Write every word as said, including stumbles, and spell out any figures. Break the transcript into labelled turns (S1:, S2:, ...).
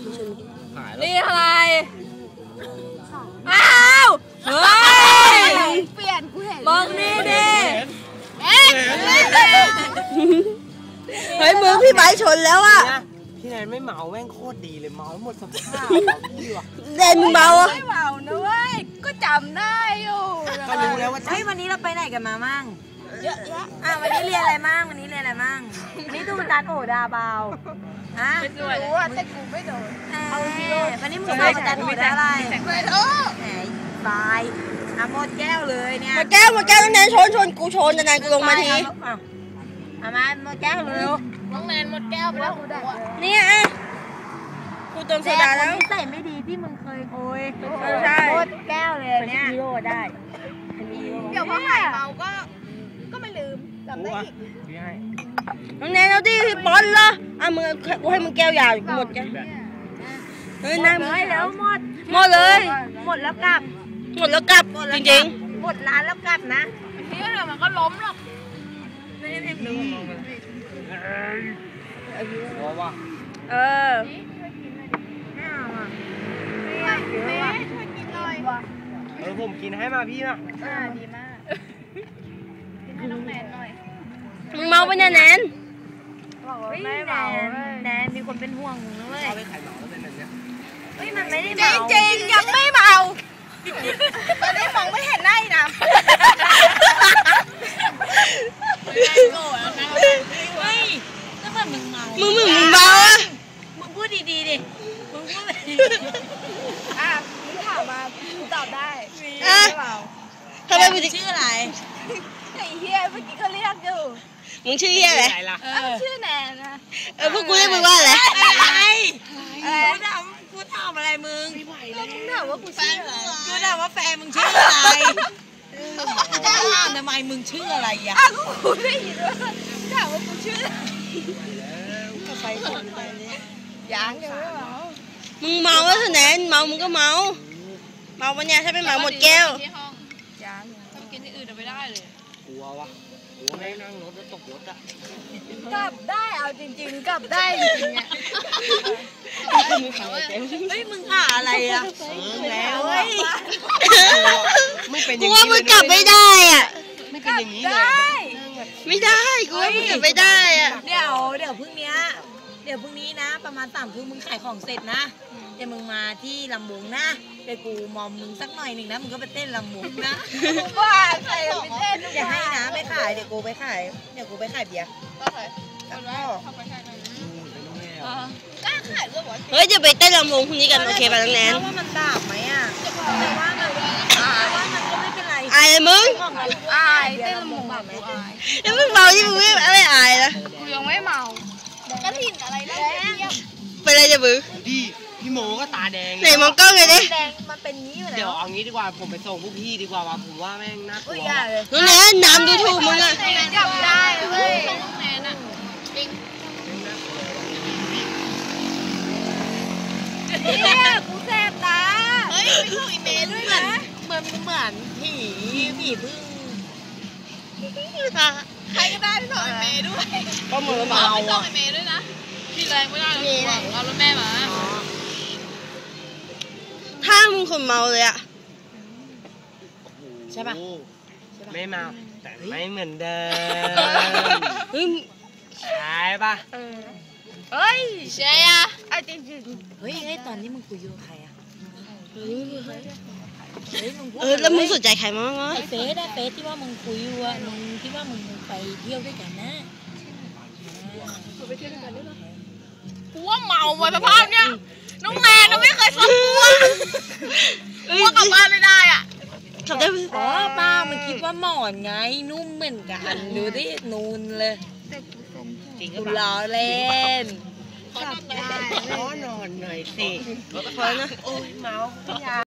S1: นี่อะไรอ้าวเฮ้ยเปลี่ยนกูเห็นมองนี่ดิเฮ้ยมือพี่ไบชนแล้วอ่ะ
S2: พี่แนนไม่เมาแม่งโคตรดีเลยเมาหมดสภาพพี่วะ
S1: เด่นเมา
S3: ไม่เมานะเว้ยก็จำได้อยู่
S2: ก็รู้แล้วว่า
S4: เฮ้ยวันนี้เราไปไหนกันมามั่งเยอะแยะอ่ะวันนี้เรียนอะไรมั่งวันนี้เรียนอะไรมั่งวันนี้ดูจานโอดาเบาฮะ
S3: ไม่รู้อ่ะแต่กูไม่โดน
S4: เอาสิวันนี้มึงสอบจานโอดาอะไร
S3: ไม่รู้
S4: แหมบายอ่ะหมดแก้วเลยเนี่ย
S1: หมดแก้วหมดแก้วน้องแนนชนชนกูชนนานๆกูลงมาที
S4: เอามาหมดแก้วเร็ว
S3: น้องแนนหมดแก้วไปแล้ว
S1: เนี่ยกูเติมโซดาแล้ว
S4: ใส่ไม่ดีที่มึงเคยโอย
S1: ใช่
S4: หมดแก้วเลยเนี่ยฮีโร่ได้
S3: เดี๋ยวพอหายเมาก็ก็ไม่ลืมจำได้อีก
S1: น้องแนนเอาดิพี่บอลเหรออ่ะมึงกูให้มึงแก้วยาวหมดแก้วเฮ้ยน้ำ
S4: เลยแล้วหมด
S1: หมดเลย
S4: หมดแล้วกลับ
S1: หมดแล้วกลับจริง
S4: ๆหมดร้านแล้วกลับนะ
S3: ที่เดี๋ยวมันก็ล้มหรอก
S2: ไม่ได้ดูหัวว่ะ
S1: เออ
S2: เออผมกินให้มาพี่นะ
S3: อ่าดีมากกินให้น้องแนนหน่อย
S1: มึงเมาปะเนี่ยแนน
S4: ไม่เมาแนนมีคนเป็นห่วงมึงด้วย
S2: เขาไปขายเหมาแล้วเป็นแบบนี้
S4: เฮ้ยมันไม่ได้
S3: เมาจริงๆยังไม่เมาตอนนี้มองไม่เห็นหน้าอีกนะ
S4: โกรธนะเฮ้ยแล้วมันมึงเมา
S1: มึงมึงมึงเมาอ่ะ
S4: มึงพูดดีๆดิมึงพูด
S3: อ่ะมึงถามมากูตอบได้
S1: อ่ะทำไมมึง
S4: ชื่ออะไร
S3: ไอ้เฮียเมื่อกี้เขาเรียกอยู่
S1: มึงชื่อเฮียอะไร
S3: ชื่อแนนนะ
S1: เออพวกกูเรียกมึงว่าอะไร
S4: อะไรกูถามกูถามอะไรมึง
S3: ก็มึงถามว่ากูชื่ออะไร
S4: กูถามว่าแฟนมึงชื่ออะไรจะถามทำไมมึงชื่ออะไรอ่ะ
S3: อ้าวกูได้ยินว่าถามว่ากูชื่อ
S4: ไปคนไปเนี่ย
S3: ยังยังไม่เมา
S1: มึงเมาแล้วแนนเมามึงก็เมาเมาปะเนี่ยถ้าไม่เมาหมดแก้ว
S3: ยังถ้ากินที่อื่นจะไม่ได้เลย
S2: กลัววะกลัวไม่นั่งรถแล้วตกรถอ่ะ
S3: กลับได้เอาจริงๆกลับได้จริงๆเนี่ย
S4: เฮ้ยมึงอ่ะอะไรอ่ะ
S2: แล้วเฮ้ยไม่เป็นอย่างนี้
S1: กูว่ามึงกลับไม่ได้อ่ะ
S2: ไม่เป็นอย่างนี้เลย
S1: ไม่ได้กูว่ามึงกลับไม่ได้อ่ะ
S4: เดี๋ยวเดี๋ยวพรุ่งนี้เดี๋ยวพรุ่งนี้นะประมาณสามทุ่มมึงขายของเสร็จนะเดี๋ยวมึงมาที่ลำบุงนะเดี๋ยวกูมอมมึงสักหน่อยหนึ่งนะมึงก็ไปเต้นลำบุงนะ
S3: ว่าใครไปเต้น
S4: จะให้นะไปขายเดี๋ยวกูไปขายเดี๋ยวกูไปขายเบียร์
S3: ก็ขายแล้วเข้าไปขายหน่อยนะกล้าขายด้วยวะ
S1: เฮ้ยจะไปเต้นลำวงพรุ่งนี้กันโอเคป่ะน้องแนน
S4: ว่ามันดาบไหมอ่ะแต่ว่ามันแต่ว่ามันก็ไม่เป็นไร
S1: อายเลยมึง
S3: อายเต้นลำวงแบบอาย
S1: ยังไม่เมาที่มึงไม่ไม่อายนะ
S3: กูยังไม่เมากระถิ่นอะไรนะ
S1: เป็นไรจะบึ้ง
S2: พี่พี่โมก็ตาแดง
S1: ไหนมองกล้องเลยดิ
S4: แดงมันเป็นงี้อยู่แล้ว
S2: เดี๋ยวเอางี้ดีกว่าผมไปส่งพวกพี่ดีกว่าว่ะผมว่าแม่งน่ากลัว
S1: น้องแนนน้ำดูถูกมึงอ่ะ
S3: จับได้เว้ยน้องแนนอ่ะจริงเนี่ยกูแสบตาเฮ้ยไปส่งอีเมลด้วยนะ
S4: เหมือนเหมือนผีผีพึ่ง
S3: ใครก็ได้ไปส่งอีเมลด้วย
S2: ก็เหมือนเมา
S3: ไปส่งอีเมลด้วยนะพี่แรงไม่ได้เรารถแม่มา
S1: ถ้ามึงคนเมาเลยอะ
S4: ใช่ป่ะ
S2: ไม่เมาแต่ไม่เหมือนเดิม
S1: เฮ้ย
S2: ใช่ป่ะ
S3: เฮ้ยใช่อะไอ้จริงจริง
S4: เฮ้ยตอนนี้มึงคุยกับใครอะ
S1: เออแล้วมึงสนใจใครมั้งวะ
S4: ไอ้เฟสอะเฟสที่ว่ามึงคุยอยู่อะมึงที่ว่ามึงไปเที่ยวด้วยกันนะ
S3: ไปเที่ยวด้วยกันได้หรอกูว่าเมาว่ะสภาพเนี้ยน้องแนนเราไม่เคยฟังกูอ่ะกูว่ากลับบ้านไม่ได้อ่ะ
S1: กลับได้
S4: อ๋อป้ามันคิดว่าหมอนไงนุ่มเหมือนกันดูดินูนเลยกูล้อเล่น
S2: ขอนอนหน่อยสิโอ้ยเมา